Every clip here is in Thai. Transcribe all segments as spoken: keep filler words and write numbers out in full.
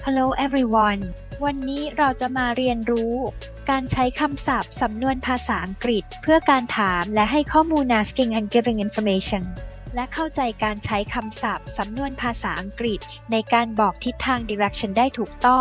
Hello everyone วันนี้เราจะมาเรียนรู้การใช้คำศัพท์สำนวนภาษาอังกฤษเพื่อการถามและให้ข้อมูล asking and giving information และเข้าใจการใช้คำศัพท์สำนวนภาษาอังกฤษในการบอกทิศทาง direction ได้ถูกต้อง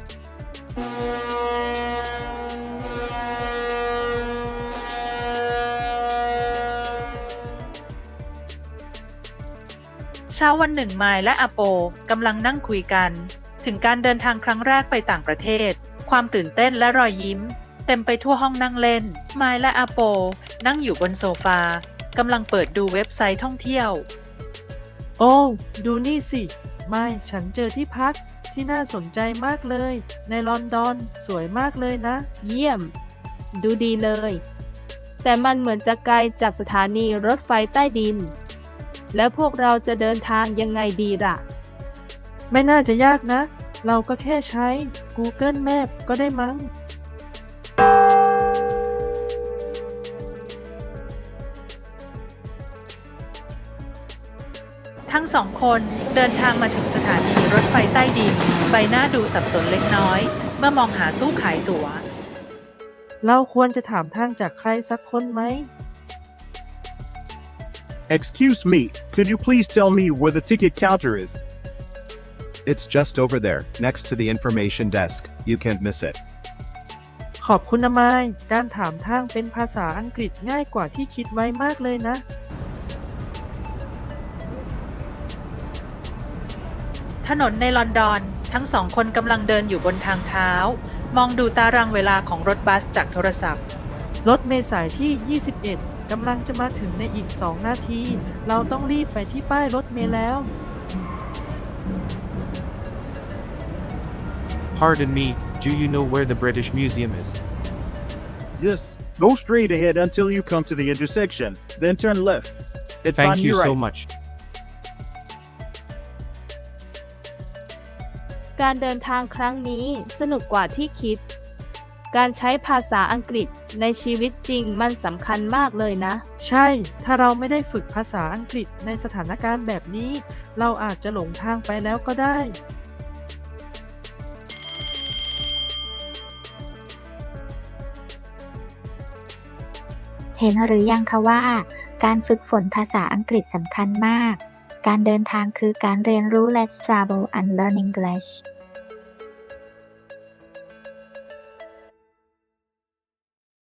เช้าวันหนึ่งไมล์และอาโปกำลังนั่งคุยกันถึงการเดินทางครั้งแรกไปต่างประเทศความตื่นเต้นและรอยยิ้มเต็มไปทั่วห้องนั่งเล่นไมล์และอาโปนั่งอยู่บนโซฟากำลังเปิดดูเว็บไซต์ท่องเที่ยวโอ้ดูนี่สิไม่ฉันเจอที่พักที่น่าสนใจมากเลยในลอนดอนสวยมากเลยนะเยี่ยมดูดีเลยแต่มันเหมือนจะไกลจากสถานีรถไฟใต้ดินแล้วพวกเราจะเดินทางยังไงดีล่ะไม่น่าจะยากนะเราก็แค่ใช้ Google Map ก็ได้มั้งทั้งสองคนเดินทางมาถึงสถานีรถไฟใต้ดินใบหน้าดูสับสนเล็กน้อยเมื่อมองหาตู้ขายตั๋วเราควรจะถามทางจากใครสักคนไหม Excuse me, could you please tell me where the ticket counter is? It's just over there, next to the information desk. You can't miss it. ขอบคุณนะไมค์การถามทางเป็นภาษาอังกฤษง่ายกว่าที่คิดไว้มากเลยนะถนนในลอนดอนทั้งสองคนกำลังเดินอยู่บนทางเท้ามองดูตารางเวลาของรถบัสจากโทรศัพท์รถเมล์สายที่ ยี่สิบเอ็ด กำลังจะมาถึงในอีก สอง นาที เราต้องรีบไปที่ป้ายรถเมล์แล้ว Pardon me, do you know where the British Museum is? Yes, go straight ahead until you come to the intersection, then turn left. It's Thank on you your so right. much. การเดินทางครั้งนี้สนุกกว่าที่คิดการใช้ภาษาอังกฤษในชีวิตจริงมันสำคัญมากเลยนะใช่ ถ้าเราไม่ได้ฝึกภาษาอังกฤษในสถานการณ์แบบนี้ เราอาจจะหลงทางไปแล้วก็ได้เห็นหรือยังคะว่าการฝึกฝนภาษาอังกฤษสำคัญมากการเดินทางคือการเรียนรู้ Let's travel and learn English